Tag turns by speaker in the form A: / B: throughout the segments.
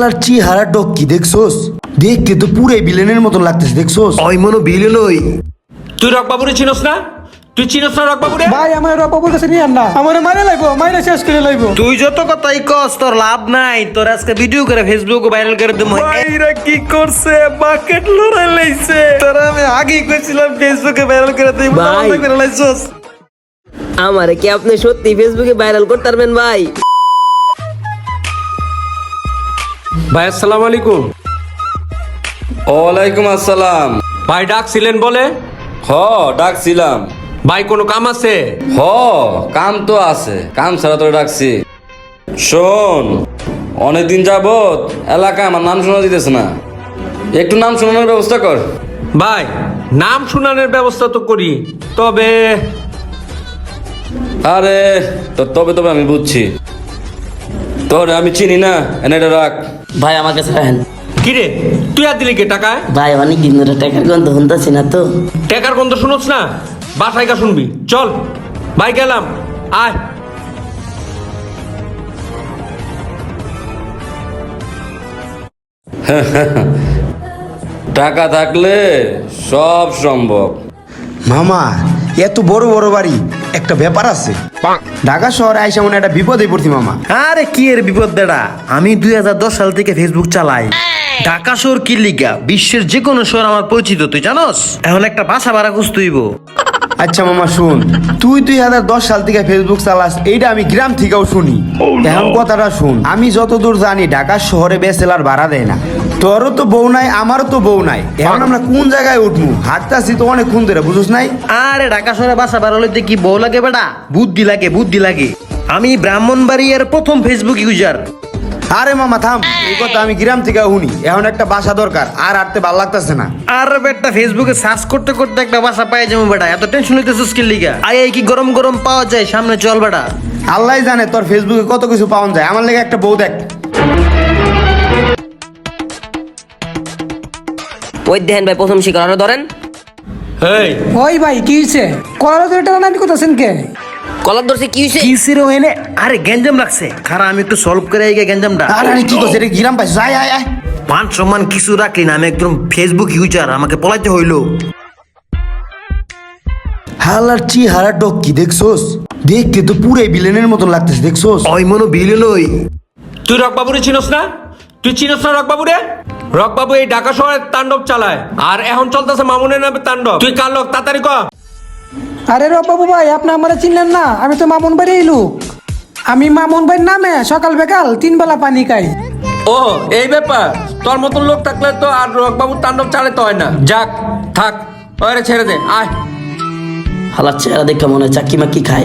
A: হালার চেহারা ডক কি দেখছোস? দেখতে তো পুরাই বিলেনের মতন লাগতেছে, দেখছোস?
B: ওই মনো বিলেন ওই।
C: তুই রকবাবুরে চিনস না? তুই চিনস না রকবাবুরে?
D: ভাই আমার রকবাবুর কাছে নিয়ে আন না, আমার মারে লাইবো, মাইরে শেষ করে লাইবো।
B: তুই যত কথাই কস তোর লাভ নাই, তোর আজকে ভিডিও করে ফেসবুকে ভাইরাল করে দেবো। এরা কি করছে? বাকেট লড়াই লাইছে। তোরা আমি আগেই কইছিলাম ফেসবুকে ভাইরাল করে দেব,
E: ভাই।
B: না করে লাইছস।
E: আমারে কি আপনি সত্যি ফেসবুকে ভাইরাল করতে পারবেন ভাই?
C: ভাই আসসালামু আলাইকুম।
F: ওয়ালাইকুম আসসালাম।
C: ভাই ডাকছিলেন বলে?
F: ডাকছিলাম।
C: ভাই কোনো কাম আছে?
F: কাম তো আছে, কাম ছাড়া তো ডাকছি। শোন, অনেকদিন যাবত এলাকায় আমার নাম শোনা দিতেছে না, একটু নাম শোনানোর ব্যবস্থা কর।
C: ভাই নাম শুনানোর ব্যবস্থা তো করি, তবে
F: আরে তবে তবে আমি বুঝছি, তোর আমি চিনি না, এনে এটা রাখ।
E: ভাই আমার কাছে রাখেন।
C: কিরে তুই আর দিলি কে টাকায়?
E: ভাই অনেক দিন ধরে টাকার গন্ধ শুনতেছি না তো।
C: টাকার গন্ধ শুনোস না? বাসায় গা শুনবি, চল। ভাই গেলাম, আয়।
F: টাকা থাকলে সব সম্ভব।
A: মামা এত বড় বড় বাড়ি, একটা ব্যাপার আছে। ঢাকা শহরে আইসা মনে একটা বিপদে পড়ছি মামা।
B: আরে কি এর বিপদ বেড়া, আমি 2010 সাল থেকে ফেসবুক চালাই। ঢাকা শহর কি লিগা বিশ্বের যে কোনো শহর আমার পরিচিত, তুই জানোস? এখন একটা বাসা ভাড়া খুঁজতে হইব।
A: আচ্ছা মামা শুন, তুই 2010 সাল থেকে ফেসবুক চালাস, এইটা আমি গ্রাম থেকেও শুনি। এখন কথাটা শুন, আমি যতদূর জানি ঢাকা শহরে বেচেলার ভাড়া দেয় না। তোরও তো বউ নাই, আমারও তো বউ নাই, এখন আমরা কোন জায়গায় উঠবো? হাঁটতাছি তো অনেকক্ষণ ধরে, বুঝছ নাই?
B: আরে ঢাকা শহরে বাসা ভাড়া লইতে কি বউ লাগে বেটা? বুদ্ধি লাগে, বুদ্ধি লাগে। আমি ব্রাহ্মণবাড়িয়ার প্রথম ফেসবুক ইউজার।
A: আরে মামা থাম, এই কথা আমি গ্রাম থেকে শুনি। এখন একটা বাসা দরকার, আর হাঁটতে ভালো লাগতেছে না।
B: আর বেটা ফেসবুকে সার্চ করতে করতে একটা বাসা পাই যাবো বেটা, এত টেনশন হইতেছিস কি লিগা? আই কি গরম গরম পাওয়া যায়, সামনে চল বেটা।
A: আল্লাহ জানে তোর ফেসবুকে কত কিছু পাওয়া যায়, আমার লেগে একটা বউ দেখ।
E: ওই দেখেন ভাই প্রথম শিকার, আরো ধরেন।
C: এই
D: ওই ভাই কি হইছে? কলার ধরে টানা নানি করতেছেন কে?
E: কলার ধরছে কি হয়েছে?
B: কি সিরে হইনে? আরে গ্যাঞ্জাম লাগছে, খারা আমি একটু সলভ করে আই গ্যাঞ্জামটা।
A: আরে কি করছে রে, গ্রাম পাইছে? আয় আয় আয়।
B: মান সম্মান কিছু রাখলি না, আমি একদম ফেসবুক ইউজার, আমাকে পলাইতে হইলো।
A: হালার চেহারা ডক কি দেখছোস? দেখতে তো পুরাই বিলেনের মতন লাগতেছে, দেখছোস?
B: ওই মনো বিলেন ওই।
C: তুই রকবাবুরে চিনস না? তুই চিনস না রকবাবুরে? রকবাবু এই ঢাকা শহরে তাণ্ডব চালায়, আর এখন চলতেছে মামুনের নামে তাণ্ডব। তুই কার লোক তাড়াতাড়ি কর।
D: আরে রকবাবু ভাই, আপনি আমারে চিনলেন না? আমি তো মামুন ভাইয়ের এই লোক। আমি মামুন ভাইয়ের নামে সকাল বেকাল 3 বেলা পানি খাই।
C: ও এই ব্যাপার, তোর মতন লোক থাকলে তো আর রকবাবুর তাণ্ডব চালাতে হয় না। যাক থাক, ওরে ছেড়ে দে, আয়।
E: হালার চেহারা দেখে মনে হয় চাকি মাকি খায়।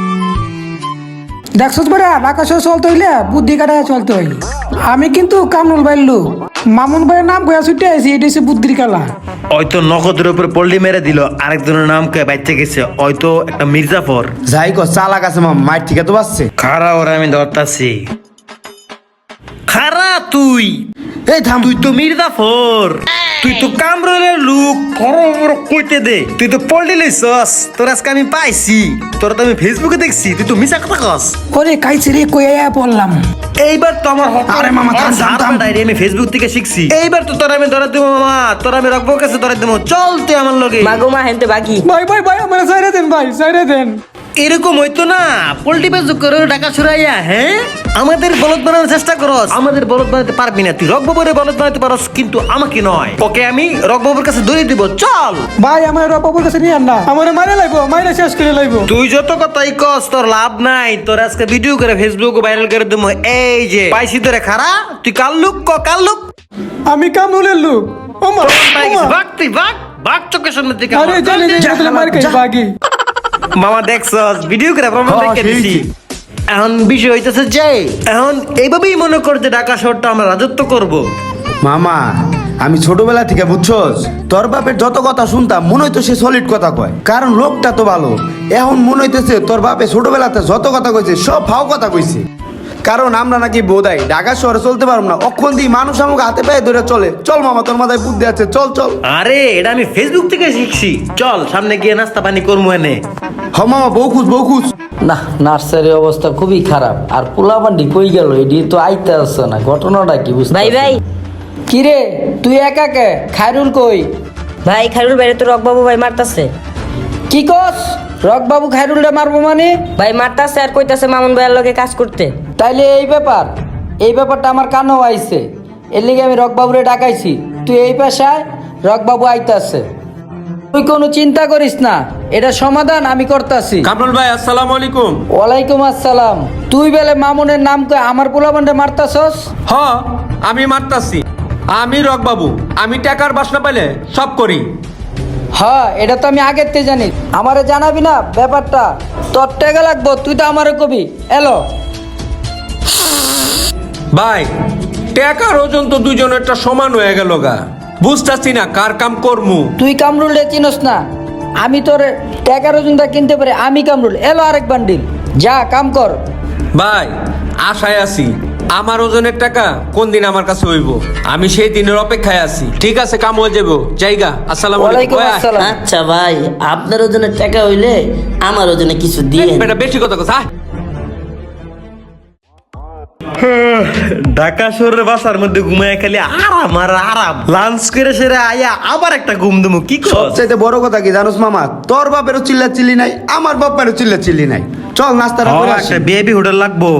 D: দেখছোস বেড়া, ঢাকা শহর চলতে হইলে বুদ্ধি কাটায় চলতে হয়। আমি কিন্তু কামরুল ভাইয়ের লোক। মামুন ভাইয়ের নাম কয়া ছুটে আইছি, এটা হচ্ছে বুদ্ধির খেলা।
B: হয়তো নগদের উপর পল্লি মেরে দিল, আরেকজনের নাম কে বাইতে গেছে, হয়তো একটা মির্জাফর।
A: যাই কর, চালাক আছে মামা, মায়ের ঠিক তো পাচ্ছে।
B: খারা ওরা আমি ধরতাছি। খারা তুই,
A: এই থাম।
B: তুই তো মির্জাফর, তুই তো কামরুলের লোক। খবর কইতে দে, তুই তো পল্লি লইছস। তোর আজকে আমি পাইছি, তোর তো আমি ফেসবুকে দেখছি, তুই তো মিছা কথা কস।
D: ওরে কাইছে রে, কইয়া পড়লাম।
B: এইবার তো আমার
A: আরে মামা, থাম, থাম, থাম।
B: আমি ফেসবুক থেকে শিখছি। এইবার তো তোর আমি ধরে দেবো মামা, তোর আমি রকবর কাছে ধরে দেবো। চল তুই আমার লগে।
E: মাগো মা হেনতে বাকি।
D: ভাই ভাই ভাই, আমার সাইরে দেন ভাই, সাইরে দেন।
B: এরকম হইতো না, পোল্ট্রি বেজ করে টাকা ছুড়াইয়া, হ্যাঁ আমাদের বলদ বানানোর চেষ্টা করস। আমাদের বলদ বানাতে পারবি না, তুই রকবাবুরে বলদ বানাতে পারস, কিন্তু আমাকে নয়। ওকে আমি রকবাবুর কাছে দড়ি দিব, চল।
D: ভাই আমার রকবাবুর কাছে নিয়ে আন না, আমার মারে লাইবো, মাইরে শেষ করে লাইবো।
B: তুই যত কথাই কস তোর লাভ নাই, তোর আজকে ভিডিও করে ফেসবুকে ভাইরাল করে দেবো। এই যে পাইছি তোরে, খারা তুই কাল লুক কাল লুক।
D: আমি কামরুলের লোক। ওমা
B: বাঘ তুই বাঘ বাঘ, চোখের সামনে থেকে
D: আরে চলে যাই, মার খাই বাগি।
B: মামা দেখছস ভিডিও করে প্রমাণ
A: হ্যাঁ,
B: দেখে দিছি।
A: সেই।
B: এখন বিষয় হইতেছে যে এখন এইভাবেই মনে কর যে ঢাকা শহরটা আমরা রাজত্ব করব।
A: মামা আমি ছোটবেলা থেকে বুঝছস, তোর বাপের যত কথা শুনতাম মনে হইতো সে সলিড কথা কয়, কারণ লোকটা তো ভালো। এখন মনে হইতেছে তোর বাপে ছোটবেলাতে যত কথা কইছে সব ফাও কথা কইছে। কারণ আমরা নাকি বোধাই ঢাকা শহরে চলতে পারবো না, অক্ষণ দিয়ে মানুষ আমাকে হাতে পায়ে ধরে চলে। চল মামা, তোর মাথায় বুদ্ধি আছে, চল চল।
B: আরে এটা আমি ফেসবুক থেকে শিখছি, চল সামনে গিয়ে নাস্তা পানি করবো এনে।
A: হ মামা, বউ খুঁজ।
G: না নার্সারির অবস্থা খুবই খারাপ আর পোলাপান্ডি কই গেল এটি তো আইতে আসছে না ঘটনাটা কি বুঝতে
E: ভাই ভাই
D: কিরে তুই একা কে খায়রুল কই
E: ভাই খাইরুল বাইরে তো রকবাবু ভাই মারতাছে।
D: কি কস রকবাবু খায়রুলটা মারবো মানে?
E: ভাই মারতাছে আর কইতাছে মামুন ভাইয়ের লগে কাজ করতে।
D: তাইলে এই ব্যাপারটা আমার কানেও আইছে, এর লিগে আমি রকবাবুরে ডাকাইছি। তুই এই পেশায়, রকবাবু আইতাছে, তুই কোনো চিন্তা করিস না, এটা সমাধান আমি করতাছি।
C: কামরুল ভাই আসসালামু আলাইকুম।
D: ওয়ালাইকুম আসসালাম। তুই বেলে মামুনের নাম কই আমার পোলাপানটা মারতাছস?
C: হ আমি মারতাছি, আমি রক বাবু, আমি টাকার বাসনা পাইলে সব করি।
D: হ্যাঁ এটা তো আমি আগের থেকে জানি, আমারে জানাবি না ব্যাপারটা? তোর টাকা লাগবো, তুই তো আমারে কবি। এলো
C: ভাই টাকার ওজন তো দুইজনেরটা সমান হয়ে গেল গা, বুঝতাছি না কার কাম করমু।
D: তুই কামরুল রে চিনস না, আমি তোর টাকার ওজনটা কিনতে পারি, আমি কামরুল। এলো আরেক বান্ডিল, যা কাম কর।
C: ভাই আশায় আছি, আমার ওজনের টাকা কোন দিন আমার কাছে হইব, আমি সেই দিনের অপেক্ষায় আছি। ঠিক আছে কাম হয়ে যাবো, জায়গা। আসসালামু আলাইকুম।
D: ওয়ালাইকুম আসসালাম।
G: আচ্ছা ভাই আপনার ওজনের টাকা হইলে আমার ওজনে কিছু দিয়ে
C: বেটা বেশি কথা কথা।
B: ঢাকা শহরের বাসার মধ্যে ঘুমায় খালি আরাম আর আরাম, লাঞ্চ করে সেরে আয়া আবার একটা ঘুম দেবো। কি কর?
A: সবচাইতে বড় কথা কি জানোস মামা, তোর বাপেরও চিল্লা চিল্লি নাই, আমার বাপেরও চিল্লা চিল্লি নাই। চল নাস্তাটা করে আসি।
B: একটা বেবি হোটেল লাগবো।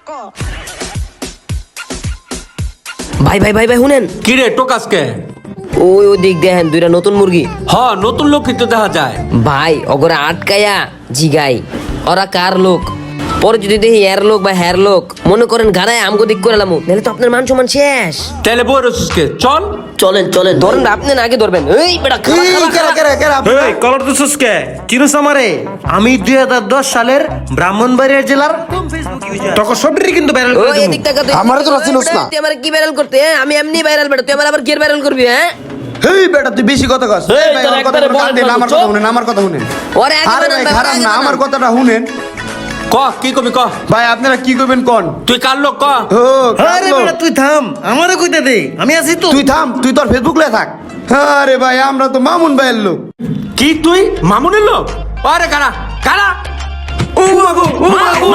E: ভাই ভাই ভাই ভাই শুনেন,
C: কি রে টোকাসকে?
E: ওই দিক দেখেন দুইটা নতুন মুরগি।
C: হ নতুন লোক কিন্তু দেখা যায়।
E: ভাই অগরে আটকায়া জিগাই ওরা কার লোক, পরে যদি দেখি এর লোক বা হ্যার লোক মনে করেন গাড়ায় আমগো দিক করে লামু, নাহলে তো আপনার মান সম্মান শেষ।
C: তাহলে বই রসুসকে চল।
G: চলেন চলেন
E: ধরেন না, আপনি না আগে ধরবেন। এই বেটা খারা,
A: এই,
E: খারা,
A: কেরা,
E: খারা।
A: কেরা, কেরা,
B: এই কলর তো সুস্কে চিনুস আমারে? আমি 2010 সালের ব্রাহ্মণবাড়িয়া জেলার তখন সবটি কিন্তু ভাইরাল করে
E: ওই
B: দেবো।
E: এদিক টাকা
A: আমারে তো চিনোস না।
E: তুই আমার কি ভাইরাল করতে? হ্যাঁ? আমি এমনি ভাইরাল বেটা, তুই আমার আবার কি ভাইরাল করবি? হ্যাঁ
A: হেই বেটা তুই বেশি কথা কস।
G: এই,
A: এই ভাই,
G: তোর
A: আমার কথা
G: একবারে
A: শুনেন,
G: বলেন
A: আমার
G: চুপ।
A: কথা শুনেন, আমার কথা শুনেন।
E: ওরে আগে
A: আরে
E: বানান,
A: ভাই
E: বাবা,
A: খারাপ
E: আগে
A: না,
E: বানান।
A: আমার কথাটা শুনেন।
C: ক কি কবি ক,
A: ভাই আপনারা কি করবেন কোন?
C: তুই কার লোক ক।
A: ও,
B: আরে
A: কালো।
B: বেটা তুই থাম, আমারও কইতে দে, আমি আছি তো।
A: তুই থাম, তুই তোর ফেসবুক লে থাক। আরে ভাই আমরা তো মামুন ভাইয়ের লোক।
C: কি তুই মামুনের লোক? আরে কারা কারা? ও মাগো ও মাগো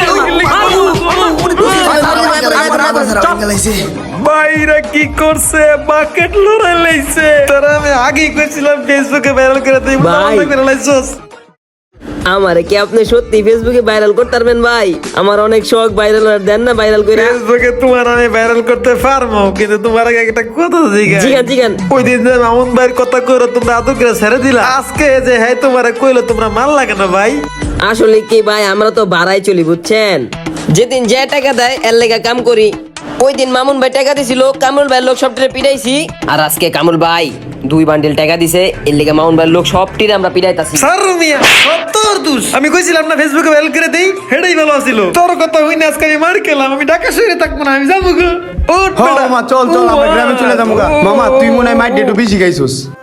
B: বাইরা কি করছে? বাকেট লড়াই লাইছে। তোরা আমি আগেই কইছিলাম ফেসবুকে ভাইরাল করে দেই,
E: ভাই।
B: ভাইরাল লাইছস।
E: আমারে কি আপনি সত্যি ফেসবুকে ভাইরাল করতে পারবেন ভাই? আমার অনেক শখ ভাইরাল, আর দেন না ভাইরাল করে।
B: ফেসবুকে তোমার আমি ভাইরাল করতে পারবো, কিন্তু তোমার আগে একটা কথা জিজ্ঞাসা।
E: জিগান জিগান।
B: ওই দিন যে মামুন ভাইয়ের কথা কইরো তোমরা আদর করে ছেড়ে দিলা, আজকে যে হ্যাঁ তোমারে কইলো তোমরা মাল লাগে না ভাই?
E: আসলে কি ভাই, আমরা তো ভাড়াই চলি বুঝছেন, যেদিন যে টাকা দেয় এর লেগা কাম করি। ওই দিন মামুন ভাই টাকা দিছিল, কামরুল ভাই লোক সবটিরে পিটাইছি, আর আজকে কামরুল ভাই 2 বান্ডিল টাকা দিছে, এর লেগা মামুন ভাই লোক সবটিরে আমরা পিটাইতাছি।
B: স্যার মিয়া সত্তর দুষ, আমি কইছিলাম না ফেসবুকে ভাইরাল করে দেই, হেডাই ভালো ছিল। তোর কথা হইনি আজকে আমি মার খেলাম, আমি ঢাকা শহরে থাকবো না, আমি যাবো গো। উঠ
A: হ্যাঁ
B: বেটা।
A: মামা চল চল, আমরা গ্রামে চলে যাবো গা। মামা তুই মনে হয় মাইট একটু বেশি খাইছস।